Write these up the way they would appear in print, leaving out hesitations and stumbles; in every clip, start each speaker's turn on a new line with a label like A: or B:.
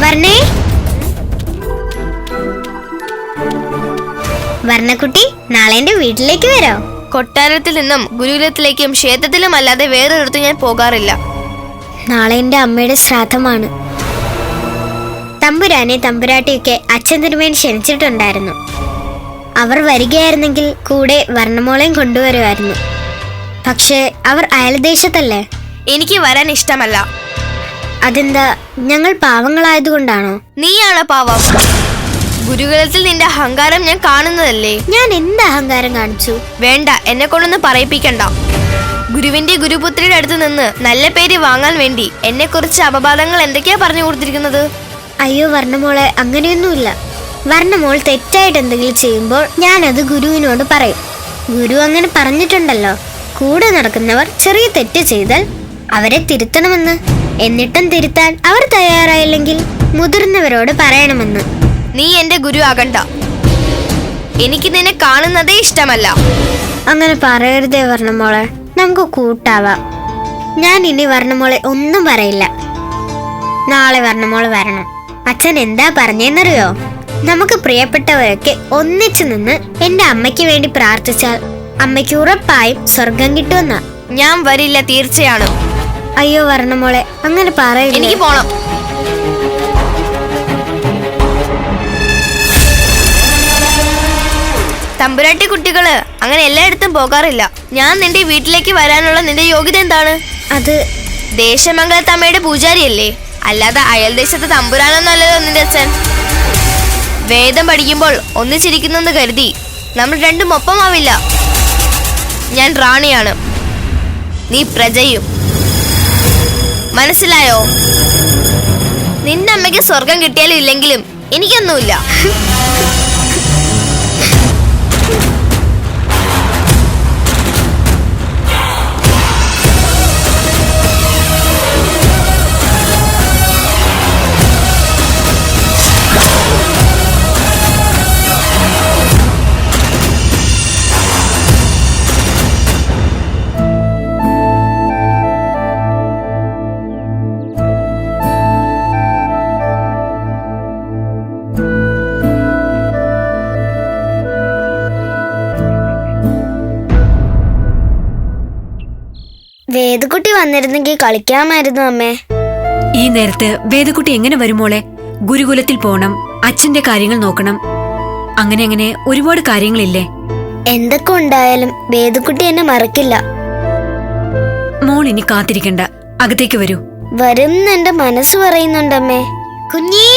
A: വർണ്ണേ, വർണ്ണക്കുട്ടി, നാളെ എന്റെ വീട്ടിലേക്ക് വരോ?
B: കൊട്ടാരത്തിൽ നിന്നും ഗുരുകുലത്തിലേക്കും ക്ഷേത്രത്തിലും അല്ലാതെ വേറൊരിടത്തും ഞാൻ പോകാറില്ല.
A: നാളെ എന്റെ അമ്മയുടെ ശ്രാദ്ധമാണ്. തമ്പുരാനെ തമ്പുരാട്ടിയൊക്കെ അച്ഛൻ തിരുമേനി ക്ഷണിച്ചിട്ടുണ്ടായിരുന്നു. അവർ വരികയായിരുന്നെങ്കിൽ കൂടെ വർണ്ണമോളെയും കൊണ്ടുവരുമായിരുന്നു. പക്ഷേ അവർ അയൽദേശത്തല്ലേ.
B: എനിക്ക് വരാൻ ഇഷ്ടമല്ല.
A: അതെന്താ, ഞങ്ങൾ പാവങ്ങളായതുകൊണ്ടാണോ?
B: നീയാണ് പാവം. ഗുരുകുലത്തിൽ നിന്റെ അഹങ്കാരം ഞാൻ കാണുന്നതല്ലേ.
A: ഞാൻ എന്ത് അഹങ്കാരം കാണിച്ചു?
B: വേണ്ട, എന്നെ കൊണ്ടൊന്നും പറയിപ്പിക്കണ്ട. ഗുരുവിന്റെ ഗുരുപുത്രിയുടെ അടുത്ത് നിന്ന് നല്ല പേര് വാങ്ങാൻ വേണ്ടി എന്നെ കുറിച്ച് അപവാദങ്ങൾ എന്തൊക്കെയാ പറഞ്ഞു കൊടുത്തിരിക്കുന്നത്?
A: അയ്യോ വർണ്ണമോളെ, അങ്ങനെയൊന്നുമില്ല. വർണ്ണമോൾ തെറ്റായിട്ട് എന്തെങ്കിലും ചെയ്യുമ്പോൾ ഞാനത് ഗുരുവിനോട് പറയും. ഗുരു അങ്ങനെ പറഞ്ഞിട്ടുണ്ടല്ലോ, കൂടെ നടക്കുന്നവർ ചെറിയ തെറ്റ് ചെയ്താൽ അവരെ തിരുത്തണമെന്ന്. എന്നിട്ടും തിരുത്താൻ അവർ തയ്യാറായില്ലെങ്കിൽ മുതിർന്നവരോട് പറയണമെന്ന്.
B: നീ എന്റെ ഗുരു ആകണ്ട. എനിക്ക് നിന്നെ കാണുന്നതേ ഇഷ്ടമല്ല.
A: അങ്ങനെ പറയരുതേ വർണ്ണമോളെ, നമുക്ക് കൂട്ടാവാം. ഞാൻ ഇനി വർണ്ണമോളെ ഒന്നും പറയില്ല. നാളെ വർണ്ണമോള് വരണം. അച്ഛൻ എന്താ പറഞ്ഞെന്നറിയോ? നമുക്ക് പ്രിയപ്പെട്ടവരൊക്കെ ഒന്നിച്ചു നിന്ന് എന്റെ അമ്മയ്ക്ക് വേണ്ടി പ്രാർത്ഥിച്ചാൽ അമ്മയ്ക്ക് ഉറപ്പായും സ്വർഗം കിട്ടുമെന്നാ.
B: ഞാൻ വരില്ല, തീർച്ചയാണ്.
A: അയ്യോ വർണ്ണമോളെ, അങ്ങനെ പറയില്ല.
B: എനിക്ക് പോണം. തമ്പുരാട്ടി കുട്ടികള് അങ്ങനെ എല്ലായിടത്തും പോകാറില്ല. ഞാൻ നിന്റെ വീട്ടിലേക്ക് വരാനുള്ള നിന്റെ യോഗ്യത എന്താണ്?
A: അത്
B: ദേശമംഗലത്തമ്മയുടെ പൂജാരിയല്ലേ, അല്ലാതെ അയൽദേശത്തെ തമ്പുരാനൊന്നല്ലല്ലോ നിന്റെ അച്ഛൻ. വേദം പഠിക്കുമ്പോൾ ഒന്നിച്ചിരിക്കുന്നെന്ന് കരുതി നമ്മൾ രണ്ടും ഒപ്പമാവില്ല. ഞാൻ റാണിയാണ്, നീ പ്രജയും. മനസ്സിലായോ? നിന്റെ അമ്മയ്ക്ക് സ്വർഗം കിട്ടിയാലും ഇല്ലെങ്കിലും എനിക്കൊന്നുമില്ല.
A: വേദക്കുട്ടി വന്നിരുന്നെങ്കിൽ കളിക്കാമായിരുന്നു അമ്മേ.
C: ഈ നേരത്ത് വേദക്കുട്ടി എങ്ങനെ വരുമോളെ? ഗുരുകുലത്തിൽ പോണം, അച്ഛന്റെ കാര്യങ്ങൾ നോക്കണം, അങ്ങനെ അങ്ങനെ ഒരുപാട് കാര്യങ്ങളില്ലേ.
A: എന്തൊക്കെ ഉണ്ടായാലും വേദക്കുട്ടി എന്നെ മറക്കില്ല.
C: മോൾ ഇനി കാത്തിരിക്കണ്ട, അകത്തേക്ക് വരൂ.
A: വരുന്ന എന്റെ മനസ്സ് പറയുന്നുണ്ടമ്മേ. കുഞ്ഞേ,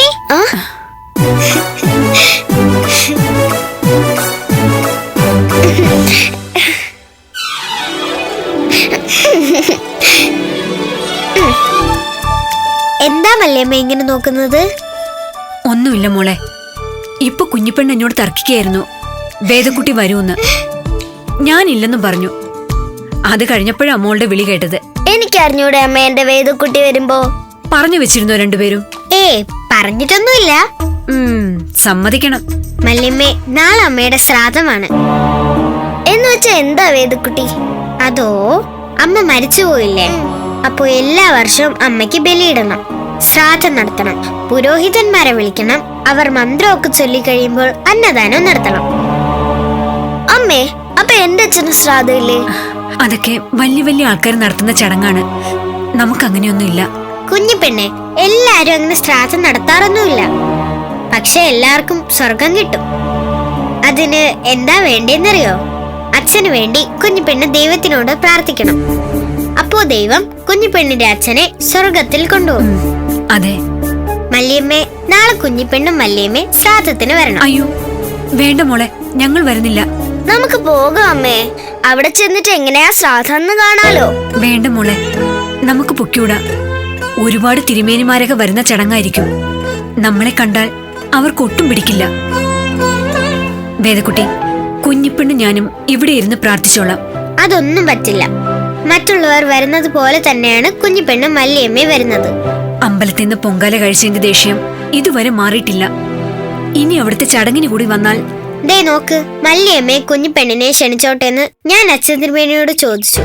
A: എന്താ മല്ലിയമ്മ ഇങ്ങനെ നോക്കുന്നത്?
C: ഒന്നുമില്ല മോളെ, ഇപ്പൊ കുഞ്ഞിപ്പെണ്ണ് എന്നോട് തർക്കിക്കായിരുന്നു വേദക്കുട്ടി വരൂന്ന്. ഞാനില്ലെന്നും പറഞ്ഞു. അത് കഴിഞ്ഞപ്പോഴാ മോളുടെ വിളി കേട്ടത്.
A: എനിക്കറിഞ്ഞൂടെ അമ്മ എന്റെ വേദക്കുട്ടി വരുമ്പോ?
C: പറഞ്ഞു വെച്ചിരുന്നോ രണ്ടുപേരും?
A: പറഞ്ഞിട്ടൊന്നുമില്ല.
C: സമ്മതിക്കണം.
A: മല്ലിയമ്മേ, നാളെ അമ്മയുടെ ശ്രാദ്ധമാണ്. എന്ന് വെച്ചാ എന്താ വേദക്കുട്ടി? അതോ, അമ്മ മരിച്ചുപോയില്ലേ, അപ്പൊ എല്ലാ വർഷവും അമ്മയ്ക്ക് ബലിയിടണം, ശ്രാദ്ധം നടത്തണം, പുരോഹിതന്മാരെ വിളിക്കണം, അവർ മന്ത്രമൊക്കെ ചൊല്ലി കഴിയുമ്പോൾ അന്നദാനം നടത്തണം. അമ്മേ, അപ്പൊ എന്റെ അച്ഛന് ശ്രാദ്ധമില്ലേ?
C: അതൊക്കെ വലിയ വലിയ ആൾക്കാർ നടത്തുന്ന ചടങ്ങാണ്, നമുക്കങ്ങനെയൊന്നുമില്ല.
A: കുഞ്ഞിപ്പെണ്ണെ, എല്ലാരും അങ്ങനെ ശ്രാദ്ധം നടത്താറൊന്നുമില്ല. പക്ഷെ എല്ലാവർക്കും സ്വർഗം കിട്ടും. അതിന് എന്താ വേണ്ടേന്നറിയോ? അച്ഛന് വേണ്ടി കുഞ്ഞിപ്പെണ്ണ് ദൈവത്തിനോട് പ്രാർത്ഥിക്കണം. അപ്പോ ദൈവം കുഞ്ഞിപ്പെണ്ണിന്റെ അച്ഛനെ സ്വർഗത്തിൽ കൊണ്ടുപോകും.
C: അതെ
A: മല്ലിയമ്മേ, നാളെ കുഞ്ഞിപ്പെണ്ണും മല്ലിയമ്മേ ശ്രാദ്ധത്തിന് വരണം.
C: അയ്യോ വേണ്ട മോളെ, ഞങ്ങൾ വരുന്നില്ല.
A: നമുക്ക് പോകാം അമ്മേ. അവിടെ ചെന്നിട്ട് എങ്ങനെയാ ശ്രാദ്ധം കാണാലോ.
C: വേണ്ട മോളെ, നമുക്ക് പൊക്കൂടാ. ഒരുപാട് തിരുമേനിമാരൊക്കെ വരുന്ന ചടങ്ങായിരിക്കും. നമ്മളെ കണ്ടാൽ അവർക്ക് ഒട്ടും പിടിക്കില്ല. വേദക്കുട്ടി, കുഞ്ഞിപ്പെണ്ണ് ഞാനും ഇവിടെ ഇരുന്ന് പ്രാർത്ഥിച്ചോളാം.
A: അതൊന്നും പറ്റില്ല. മറ്റുള്ളവർ വരുന്നത് പോലെ തന്നെയാണ് കുഞ്ഞിപ്പെണ്ണും മല്ലിയമ്മേ വരുന്നത്.
C: അമ്പലത്തിൽ നിന്ന് പൊങ്കാല കഴിച്ചതിന്റെ ദേഷ്യം ഇതുവരെ മാറിയിട്ടില്ല. ഇനി അവിടുത്തെ ചടങ്ങിന് കൂടി വന്നാൽ
A: ദേ നോക്ക്, മല്ലിയമ്മയെ കുഞ്ഞിപ്പെണ്ണിനെ ക്ഷണിച്ചോട്ടെന്ന് ഞാൻ അച്ഛൻ തിരുമേനിയോട് ചോദിച്ചു.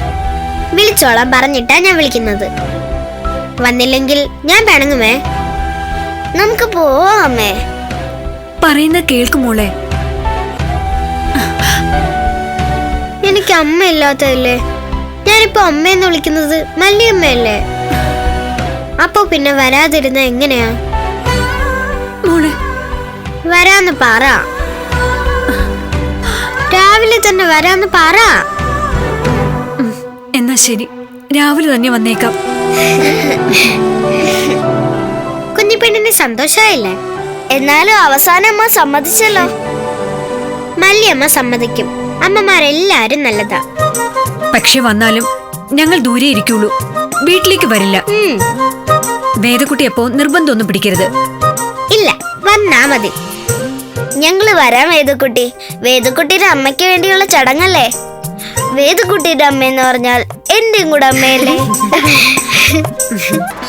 A: വിളിച്ചോളാം പറഞ്ഞിട്ടാ ഞാൻ വിളിക്കുന്നത്. വന്നില്ലെങ്കിൽ ഞാൻ പിണങ്ങുമേ. നമുക്ക് പോവാം അമ്മേ.
C: പറയുന്ന കേൾക്കുമോളെ.
A: എനിക്ക് അമ്മ ഇല്ലാത്തതല്ലേ. ഞാനിപ്പോ അമ്മയെന്ന് വിളിക്കുന്നത് മല്ലിയമ്മയല്ലേ. അപ്പൊ പിന്നെ വരാതിരുന്ന എങ്ങനെയാ?
C: മോളെ
A: വരാന്ന് പറ. രാവിലെ തന്നെ വരാന്ന് പറ.
C: എന്നാ ശരി, രാവിലെ തന്നെ വന്നേക്കാം.
A: കുഞ്ഞിപ്പെണ്ണിന് സന്തോഷായില്ലേ? എന്നാലും അവസാനം അമ്മ സമ്മതിച്ചല്ലോ. മല്ലിയമ്മ സമ്മതിക്കും. അമ്മമാരെല്ലാരും നല്ലതാ.
C: പക്ഷെ വന്നാലും ഞങ്ങൾ ദൂരെ ഇരിക്കുള്ളൂ, വീട്ടിലേക്ക് വരില്ല. വേദക്കുട്ടി അപ്പോ നിർബന്ധമൊന്നും പിടിക്കരുത്.
A: ഇല്ല, വന്നാ മതി. ഞങ്ങള് വരാം വേദക്കുട്ടി. വേദക്കുട്ടിയുടെ അമ്മയ്ക്ക് വേണ്ടിയുള്ള ചടങ്ങല്ലേ. വേദക്കുട്ടിയുടെ അമ്മയെന്ന് പറഞ്ഞാൽ എന്റെയും കൂടെ അമ്മയല്ലേ.